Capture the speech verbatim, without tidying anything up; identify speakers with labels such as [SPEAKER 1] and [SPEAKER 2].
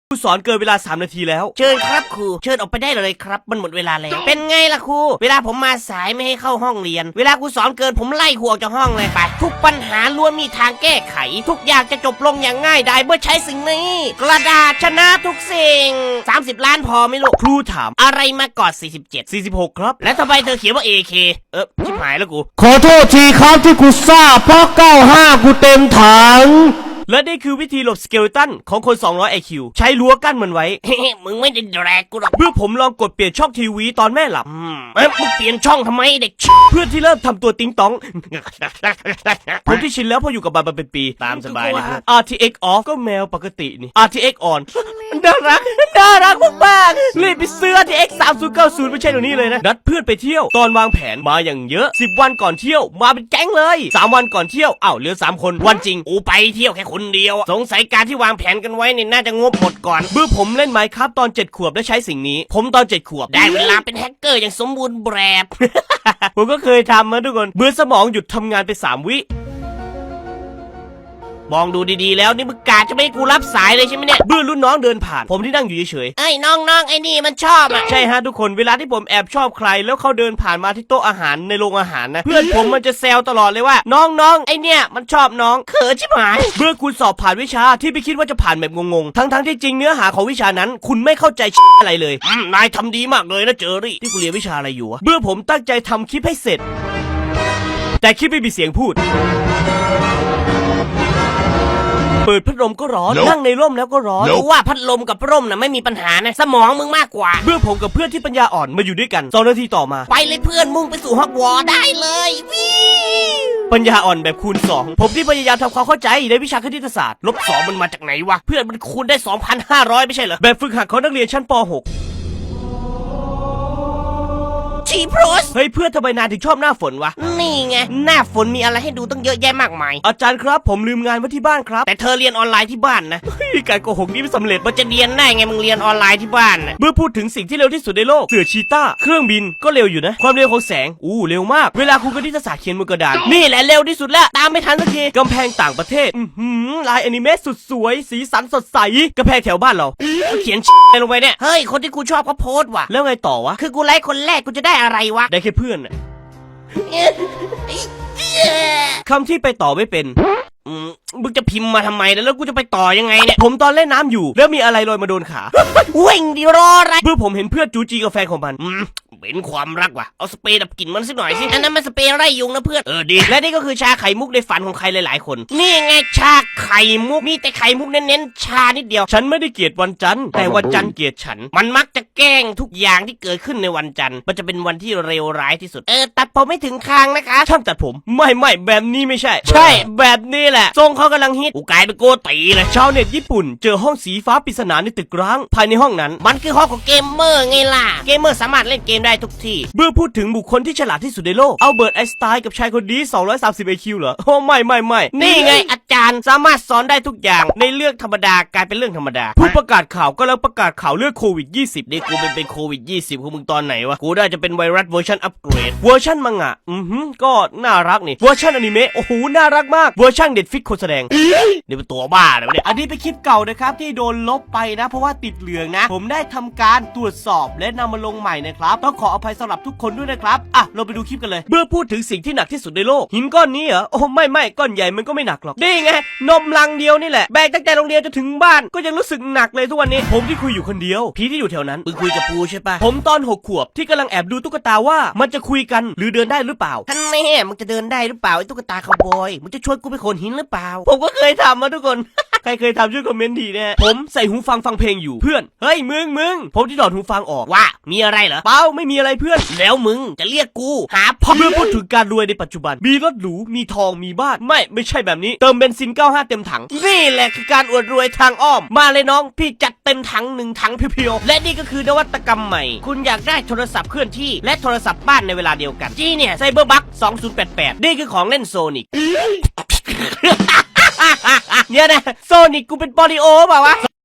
[SPEAKER 1] ครูสอนเกินเวลาสามนาทีแล้ว
[SPEAKER 2] เชิญครับครูเชิญออกไปได้เลยครับมันหมดเวลาแล้วเป็นไงล่ะครูเวลาผมมาสายไม่ให้เข้าห้องเรียนเวลาครูสอนเกินผมไล่ครูออกจากห้องเลยไปทุกปัญหาล้วนมีทางแก้ไขทุกอย่างจะจบลงอย่างง่ายดายเมื่อใช้สิ่งนี้กระดาษชนะทุกสิ่งสามสิบล้านพอไหมลูก
[SPEAKER 1] ครูถาม
[SPEAKER 2] อะไรมาก่อนสี่สิบเจ็ด
[SPEAKER 1] สี่สิบหกครับ
[SPEAKER 2] แล้วทำไมเธอเขียนว่า เอ เค เออชิบหายแล้วกู
[SPEAKER 3] ขอโทษทีครับที่กูซ่าเพราะเก้าสิบห้ากูเต็มถัง
[SPEAKER 1] และนี่คือวิธีหลบสเกเลตันของคนสองร้อย ไอ คิว ใช้รั้วกั้นมันไว้
[SPEAKER 2] เฮ้มึงไม่ได้แดกกูหรอก
[SPEAKER 1] เมื่อผมลองกดเปลี่ยนช่องทีวีตอนแม่หลับ
[SPEAKER 2] อืมเอ้ยมึงเปลี่ยนช่องทำไมเด็ก
[SPEAKER 1] เพื่อนที่เริ่มทำตัวติ๊งต้องผมที่ชินแล้วพออยู่กับมันมาเป็นปีตามสบายเลย อาร์ ที เอ็กซ์ off ก็แมวปกตินี่ อาร์ ที เอ็กซ์ on น่ารักน่ารักมากๆรีบไปซื้อ อาร์ ที เอ็กซ์ สามศูนย์เก้าศูนย์ไม่ใช่ตรงนี้เลยนะนัดเพื่อนไปเที่ยวตอนวางแผนมาอย่างเยอะสิบวันก่อนเที่ยวมาเป็นแก๊งเลยสามวันก่อนเที่ยวอ้าวเหลือสามคนวันจริง
[SPEAKER 2] อูไปเที่ยวแค่คนเดียวสงสัยการที่วางแผนกันไว้เนี่ยน่าจะงบหมดก่อน
[SPEAKER 1] เมื่อผมเล่นไมค์ครับตอนเจ็ดขวบและใช้สิ่งนี้ผมตอนเจ็ดขวบ
[SPEAKER 2] ได้เวลาเป็นแฮกเกอร์อย่างสมบูรณ์แบบ
[SPEAKER 1] ผมก็เคยทำมาทุกคนเมื่อสมองหยุดทำงานไปสามวิ
[SPEAKER 2] มองดูดีๆแล้วนี่มึงกาจะไม่ให้กูรับสายเลยใช่ไหมเนี่ย
[SPEAKER 1] เมื่อรุ่นน้องเดินผ่านผมที่นั่งอยู่เฉย
[SPEAKER 2] ๆเอ้ยน้องๆไอ้นี่มันชอบอ่ะ
[SPEAKER 1] ใช่ฮะทุกคนเวลาที่ผมแอบชอบใครแล้วเขาเดินผ่านมาที่โต๊ะอาหารในโรงอาหารนะเพื่อนผมมันจะแซวตลอดเลยว่าน้องๆไอเนี่ยมันชอบน้อง
[SPEAKER 2] เขินชิบหาย
[SPEAKER 1] เมื่อคุณสอบผ่านวิชาที่ไม่คิดว่าจะผ่านแบบงงๆทั้งๆที่จริงเนื้อหาของวิชานั้นคุณไม่เข้าใจอะไรเลย
[SPEAKER 2] นายทำดีมากเลยนะเจอรี่
[SPEAKER 1] ที่กูเรียนวิชาอะไรอยู่วะเมื่อผมตั้งใจทำคลิปให้เสร็จแต่คลิปไม่มีเสียงพูดเปิดพัดลมก็ร้อน no. นั่งในร่มแล้วก็ร้อน
[SPEAKER 2] no. รู้ว่าพัดลมกับร่มน่ะไม่มีปัญหานะสมองมึงมากกว่า
[SPEAKER 1] เมื่อผมกับเพื่อนที่ปัญญาอ่อนมาอยู่ด้วยกันสองนาทีต่อมา
[SPEAKER 2] ไปเลยเพื่อนมุ่งไปสู่ฮอกวอตส์ได้เลยวิ
[SPEAKER 1] ปัญญาอ่อนแบบคูณสองผมที่พยายามทำความเข้าใจในวิชาคณิตศาสตร์
[SPEAKER 2] ลบสองมันมาจากไหนวะเพื่อนมันคูณได้ สองพันห้าร้อย ไม่ใช่เหรอ
[SPEAKER 1] แบบฝึกหัดของนักเรียนชั้นป หก
[SPEAKER 2] ชีโพรส
[SPEAKER 1] เฮ้ยเพื่อนทำไมนายถึงชอบหน้าฝนวะ
[SPEAKER 2] นี่ไงหน้าฝนมีอะไรให้ดูตั้งเยอะแยะมากมาย
[SPEAKER 1] อาจารย์ครับผมลืมงานไว้ที่บ้านครับ
[SPEAKER 2] แต่เธอเรียนออนไลน์ที่บ้านนะ
[SPEAKER 1] เฮ้ยการโกหกนี้ไม่สำเร็จ
[SPEAKER 2] มันจะเรียนได้ไงมึงเรียนออนไลน์ที่บ้านนะ
[SPEAKER 1] เมื่อพูดถึงสิ่งที่เร็วที่สุดในโลกเสือชีต้าเครื่องบินก็เร็วอยู่นะความเร็วของแสงอู้เร็วมากเวลาครูคณิตศาสตร์เขียนบนกระดาน
[SPEAKER 2] นี่แหละเร็วที่สุดแล้วตามไม่ทันสักที
[SPEAKER 1] กำแพงต่างประเทศอือลายแอนิเมะสุดสวยสีสันสดใสกำแพงแถวบ้านเรา
[SPEAKER 2] เขียนลงไปเนี่ยเฮ้ยคนที่กูชอบเขาโพสต์ว่ะ
[SPEAKER 1] แล้วไงต่อวะ
[SPEAKER 2] คือกูไลค์คนแรกกูจะได้อะไรวะ
[SPEAKER 1] ได้แค่เพื่อนน่ะคำที่ไปต่อไม่เป็น
[SPEAKER 2] มึงจะพิมพ์มาทำไมแล้วกูจะไปต่อยังไงเนี่ย
[SPEAKER 1] ผมตอนเล่นน้ำอยู่แล้วมีอะไรลอยมาโดนขา
[SPEAKER 2] วิ่งดิรออะไร
[SPEAKER 1] เมื่อผมเห็นเพื่อนจูจีกับแฟนของมัน
[SPEAKER 2] เป็นความรักว่ะเอาสเปรย์ดับกลิ่นมันสักหน่อยสิอันนั้นมันสเปรย์ไล่ยุงนะเพื่อน
[SPEAKER 1] เออดี
[SPEAKER 2] และนี่ก็คือชาไข่มุกในฝันของใครหลายๆคนนี่ไงชาไข่มุกมีแต่ไข่มุกเน้นๆชานิดเดียว
[SPEAKER 1] ฉันไม่ได้เกลียดวันจันทร์แต่วันจันทร์เกลียดฉัน
[SPEAKER 2] มันมักจะแกล้งทุกอย่างที่เกิดขึ้นในวันจันทร์มันจะเป็นวันที่เลวร้ายที่สุดเออตัดผมไม่ถึงคางนะคะ
[SPEAKER 1] ช่างตัดผมไม่ไม่แบบนี้ไม่ใช่
[SPEAKER 2] ใช่แบบนี้แหละทรงเขากำลังฮิตกูกลายเป็นโกตีเลย
[SPEAKER 1] ชาวเน็ตญี่ปุ่นเจอห้องสีฟ้าปริศนาในตึกร้างภายในห้องนั้น
[SPEAKER 2] มันคือห้องของเกมเมอร์ไงล่ะเกมเมอร์สามารถเล่นเกมได้ทุกที่
[SPEAKER 1] เมื่อพูดถึงบุคคลที่ฉลาดที่สุดในโลกอัลเบิร์ตไอน์สไตน์กับชายคนนี้สองร้อยสามสิบ ไอ คิว เหรอโอ้ไม่ไม่ไม่
[SPEAKER 2] นี่ไงอาจารย์สามารถสอนได้ทุกอย่างในเรื่องธรรมดากลายเป็นเรื่องธรรมดา
[SPEAKER 1] ผู้ประกาศข่าวก็แล้วประกาศข่าวเรื่องโควิดยี่สิบนี่กูเป็นเป็นโควิดยี่สิบของมึงตอนไหนวะกูได้จะเป็นไวรัสเวอร์ชันอัปเกรดเวอร์ชันมังงะอือหือก็น่ารักนี่เวอร์ชันอนิเมะโอ้โหน่ารักมากเวอร์ชันเด็ดฟิกคนแสดง
[SPEAKER 2] นี่เป็นตัวบ้าเลยวะเนี่ย
[SPEAKER 1] อันนี้เป็นคลิปเก่านะครับที่โดนลบไปนะเพราะว่าติดเหลืองนะผมได้ทำการตรวจสอบและนำมาลงใหม่นะครับต้องขออภัยสำหรับทุกคนด้วยนะครับอ่ะเราไปดูคลิปกันเลยเมื่อพูดถึงสิ่งที่หนักที่สุดในโลกหินก้อนนี้เหรอโอ้ไม่ไม่ก้อนใหญ่มันก็ไม่หนักหรอกนี่ไงนมลังเดียวนี่แหละแบกตั้งแต่โรงเรียนจนถึงบ้านก็ยังรู้สึกหนักเลยทุกวันนี้ผมที่คุยอยู่คนเดียวพี่ที่อยู่แถวนั้น
[SPEAKER 2] มึงคุยกับปูใช่ปะ
[SPEAKER 1] ผมตอนหกขวบที่กำลังแอบดูตุ๊กตาว่ามันจะคุยกันหรือเดินได้หรือเปล่า
[SPEAKER 2] ท่านแม่มึงจะเดินได้หรือเปล่าไอ้ตุ๊กตาคาวบอยมึงจะชวนกูไปโขนหินหรือเปล่า
[SPEAKER 1] ผมก็เคยทำมาทุกคน ใครเคยทำช่วยคอมเมนต์ทีนะผมใส่หูฟังฟังเพลงอยู่เพื่อนเฮ้ยมึงมึงผมที่ถอดหูฟังออก
[SPEAKER 2] ว่ามีอะไรเหรอ
[SPEAKER 1] เปล่าไม่มีอะไรเพื่อน
[SPEAKER 2] แล้วมึงจะเรียกกูหา
[SPEAKER 1] พ่อเมื่อพูดถึงการรวยในปัจจุบันมีรถหรูมีทองมีบ้านไม่ไม่ใช่แบบนี้เติมเบนซินเก้าสิบห้าเต็มถัง
[SPEAKER 2] นี่แหละคือการอวดรวยทางอ้อมมาเลยน้องพี่จัดเต็มถังหนึ่งถังเพียวๆและนี่ก็คือนวัตกรรมใหม่คุณอยากได้โทรศัพท์เคลื่อนที่และโทรศัพท์บ้านในเวลาเดียวกันจี้เนี่ยไซเบอร์บัคสองพันแปดสิบแปดนี่คือของเล่นโซนิกเนี่ยนะโซนิกกูเป็นปอลิโอเปล่าวะ